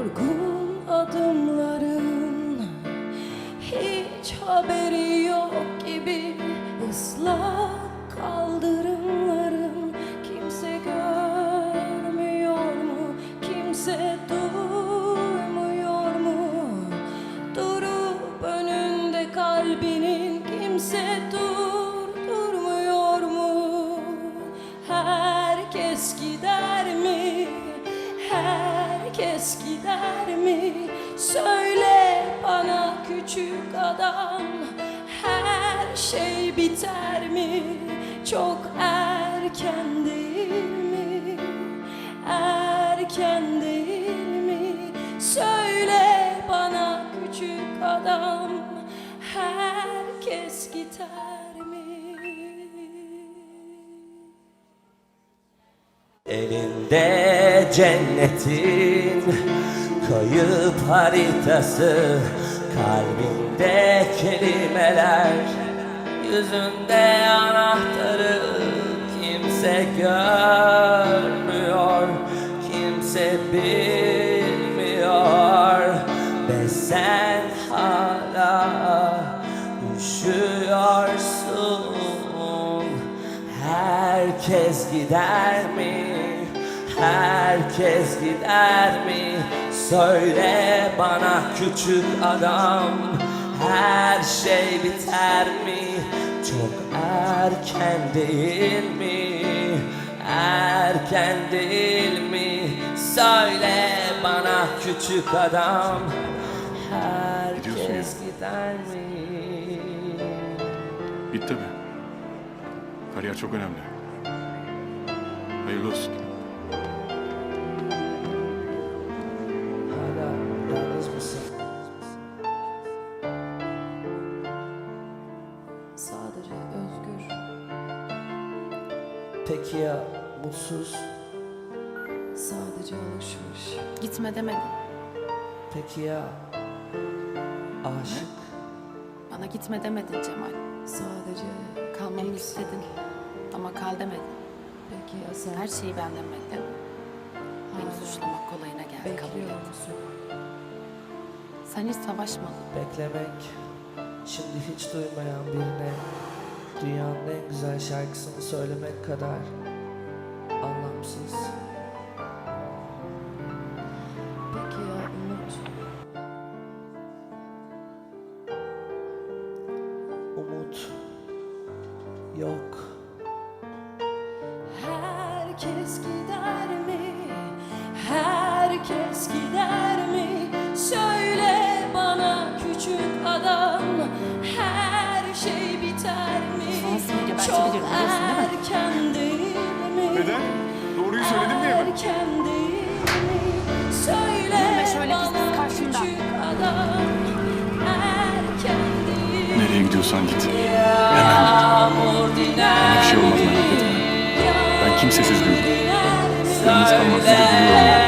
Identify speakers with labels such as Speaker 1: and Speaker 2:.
Speaker 1: Yorgun adımların hiç haberi yok gibi, ıslak kaldırımların kimse görmüyor mu, kimse duymuyor mu? Durup önünde kalbinin kimse durdurmuyor mu? Herkes gider mi? Herkes gider mi? Söyle bana küçük adam, her şey biter mi? Çok erken değil mi? Erken değil mi? Söyle bana küçük adam, herkes gider mi?
Speaker 2: Elinde cennetin kayıp haritası, kalbinde kelimeler, yüzünde anahtarı. Kimse görmüyor, kimse bilmiyor ve sen hala üşüyorsun. Herkes gider mi? Herkes gider mi? Söyle bana küçük adam, her şey biter mi? Çok erken değil mi? Erken değil mi? Söyle bana küçük adam, herkes gider mi?
Speaker 3: Git tabii. Kariyer çok önemli. Hayırlı olsun.
Speaker 2: Hala yalnız mısın?
Speaker 1: Sadece özgür.
Speaker 2: Peki ya mutsuz?
Speaker 1: Sadece alışmış.
Speaker 4: Gitme demedim.
Speaker 2: Peki ya aşık?
Speaker 4: Bana gitme demedin Cemal.
Speaker 1: Sadece
Speaker 4: Kalmamı
Speaker 1: eksik.
Speaker 4: istedin. Ama kal demedin.
Speaker 1: Peki ya sen?
Speaker 4: Her şeyi benden bekle. Beni suçlamak kolayına geldi. Kabul
Speaker 1: Bekliyor
Speaker 4: et.
Speaker 1: musun?
Speaker 4: Sen hiç savaşmadın.
Speaker 2: Beklemek, şimdi hiç duymayan birine dünyanın en güzel şarkısını söylemek kadar anlamsız.
Speaker 1: Peki ya umut?
Speaker 2: Umut yok.
Speaker 1: Herkes gider mi? Herkes gider mi? Söyle bana küçük adam, her şey biter mi?
Speaker 4: Şansını gebertebilirim,
Speaker 1: Çok
Speaker 4: biliyorsun değil mi?
Speaker 1: erken değil mi?
Speaker 3: Neden? Doğruyu söyledim diye mi?
Speaker 1: Erken değil mi? Söyle
Speaker 4: Yürüme şöyle
Speaker 1: bana
Speaker 4: gizsiz karşımdan.
Speaker 1: küçük adam, erken değil mi?
Speaker 3: Nereye gidiyorsan git.
Speaker 2: Yağmur diner
Speaker 3: Bana bir şey olmaz, merak etme. Ben kimsesiz büyüdüm. Yalnız kalmak zor biliyorum.